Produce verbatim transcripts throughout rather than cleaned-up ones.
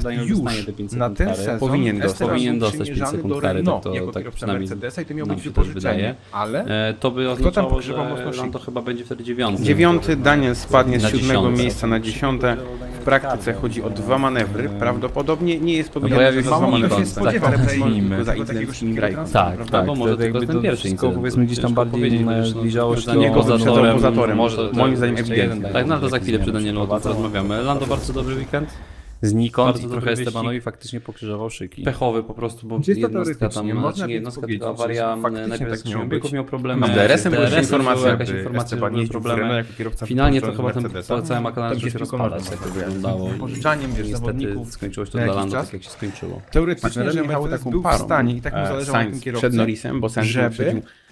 Daniel już dostanie te pięć na sekund ten kary. sezon Powinien dostać. Esteban Powinien był dostać pięć przymierzany sekund do kary, Renault tak to- jako tak kierowca przynajmniej Mercedesa i to miał nam być się też wypożyczenie, wydaje. ale E, to by tam oznaczało, że pogrzewał mocno Lando szyki? chyba będzie wtedy dziewiąty. Dziewiąty Daniel spadnie z Na siódmego dziesiąte. miejsca na dziesiąte. W praktyce chodzi o dwa manewry. Prawdopodobnie nie jest powiedziane, pojawił że się za mało mało kto kto się się spodziewa, spodziewa, ale tylko za takiego intensywnym szybkiego grajką. Tak, Prawda? albo może Wtedy tylko jakby ten to pierwszy wszystko, incydent. powiedzmy, gdzieś tam Ciężko bardziej, powiedzieć, e, wiesz, no, zbliżało się dla do- niego Jego za wyprzedzał torem, poza torem. Może to, Moim zdaniem jeszcze ewidentnie. jeden Tak, no to za chwilę przy zmiany Danielu o tym przeprowadzą. porozmawiamy. Lando bardzo dobry weekend. Znikąd Bardzo i dobry trochę wyścig. Estebanowi faktycznie pokrzyżował szyki. Pechowy po prostu, bo Czysto jednostka tam, teoretycznie można znaczy nie by jednostka powiedzieć, tylko awaria, że faktycznie najpierw tak z miało biegów być. miał problemy. Z D R S-em była D R S-em informacja, była jakaś by informacja, że Esteban były jeździł w Renault problemy. jako kierowca Finalnie to wypożyczony chyba ten Mercedesa. po całym McLaren Tam zaczął się się z piłką rozpadać, nożną tak to wygląda. wyglądało. i Pożyczaniem, wiesz, Niestety zawodników skończyło się to na dla jakiś Lando czas. tak, jak się skończyło. Teoretycznie, Myślę, że że jechał Mercedes taką był w parą. stanie i tak mu E, zależało na tym Sainz kierowcy, przed Norrisem, bo Sainz żeby wyprzedził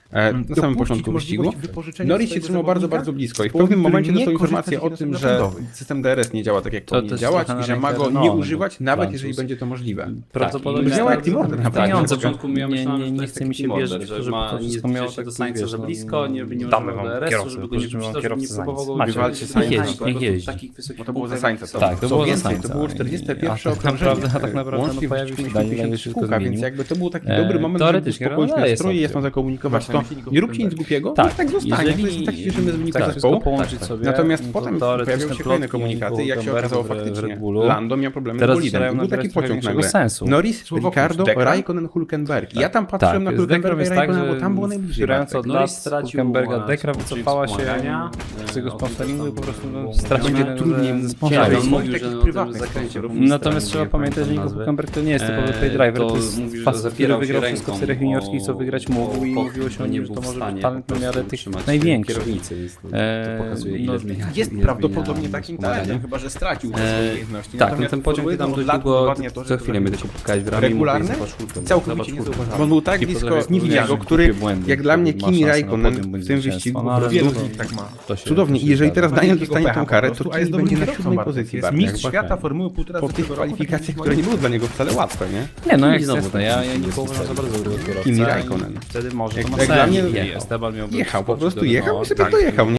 e, na samym Dopuścić początku wyścigu. możliwość wypożyczenia Norris się swojego trzymał bardzo, zawodnika, bardzo blisko i w który pewnym momencie nie dostał korzysta informację z o tym, silnika że napędowych. system D R S nie działa tak, jak To powinien też działać trochę i że na ma rękę go nie Renault, używać, bo nawet Francuz. jeżeli będzie to możliwe. Prawdopodobnie Brzmiało jak Team tak, Order, tak, naprawdę. na Nie, początku ja nie- myślałem, nie- że nie to jest chce taki mi się Team wierzyć, Order, że żeby ma to nie wszystko miało zbliża się do taki, Sainza wiesz, za no, blisko, nie, nie Damy używał wam D R S-u, kierowcę, żeby go nie pożyczymy wam wypuszczał, żeby kierowcę nie za próbował go Sainza. użyć. Wywalcie Żeby Sainza. nie Niech jeździ, niech jeździ. takich wysokich Bo to było za punktach, Sainza. jak są. Tak, to Co było za więcej, Sainza. to było czterdzieste pierwsze A tak okrążenie. naprawdę- a tak naprawdę Łącznie no, pojawił się wrzuciliśmy Daniel, tysiąc wszystko kółka, zmienił. więc jakby to był taki E, dobry moment, żeby teoretycznie uspokoić Renault nastroje i jest jasno zakomunikować to. Właśnie, silników Nie róbcie nic napędowych. głupiego, Tak, tak, tak zostanie. jeżeli- To jest tak świeżymy z wynika tak, zespołu. wszystko połączyć sobie, Natomiast no to potem teoretycznie pojawiały się kolejne plotki komunikaty i jak się Hulkenberga okazało w Red faktycznie, Bullu. Lando miał problemy Teraz z bolidem. zaczynają I był nabierać taki trochę pociąg większego nagle. sensu. Norris, Słowo Ricardo, Decker? Raikkonen, Hulkenberg. I ja tam patrzyłem na z Hulkenberga Dekrem i jest tak, Raikkonena, że bo tam było najbliżej. wspierając Bartek. od Norris lat stracił, Hulkenberga, e, Dekra sposób wycofała się wspomagania, z tego e, sponsoringu i po prostu no, było stracił mówione, jednego trudniej ze mu- sponsorów. ciężej. On mówił, takich że na prywatnych tym zakręcie sponsorów. równi Natomiast strony, trzeba nie pamiętać, że pamiętam Nico nazwy. Hulkenberg to nie jest typowy Eee, pay driver, to to jest mówił, że facet, który zapierał się wygrał wszystko w ręką seriach juniorskich, co o- wygrać mógł i o- mówiło się o nie nim, że był to w może stanie być talent po na prostu miarę tych utrzymać największych. kierownicy, więc to, Eee, to pokazuje, ile no, zmienia. Jest ile prawdopodobnie zmienia takim wspomagania. talentem, chyba że stracił te Eee, swoje umiejętności. Tak, no Natomiast ten pociąg ty tam dość od lat długo, udowadnia to, że co to chwilę mnie tylko pukałeś w ramię i regularny, mówię, zobacz Hulkenberg, całkowicie zobacz niezauważalny. Hulkenberg. Bo on był tak I blisko potem Niwidiego, jak który, głupie błędy, jak dla mnie ma Kimi szansę na Raikkonen podium, bądź w tym zwycięstwo, wyścigu no, ale po wielu to- z nich tak ma. To się- Cudownie. to I się jeżeli zgadza. teraz Ma Daniel wielkiego dostanie pecha tą po karę, prostu, to a jest Kimi będzie dobrym na kierowcą siódmej bardzo. pozycji. Jest Bartek. mistrz Bartek. świata Formuły półtora Po tych zeszłego roku, kwalifikacjach, to które nie były dla niego wcale łatwe, nie? Nie, no jak I znowu znowu, tak ja, się ja nie nie uważam za wpisali. bardzo dobrego kierowcę. Kimi i Raikkonen. Wtedy może Jak- to ma jak sens. dla mnie I Esteban miałby Jechał, po wskoczyć prostu do jechał i Renault, sobie tak, dojechał, nie?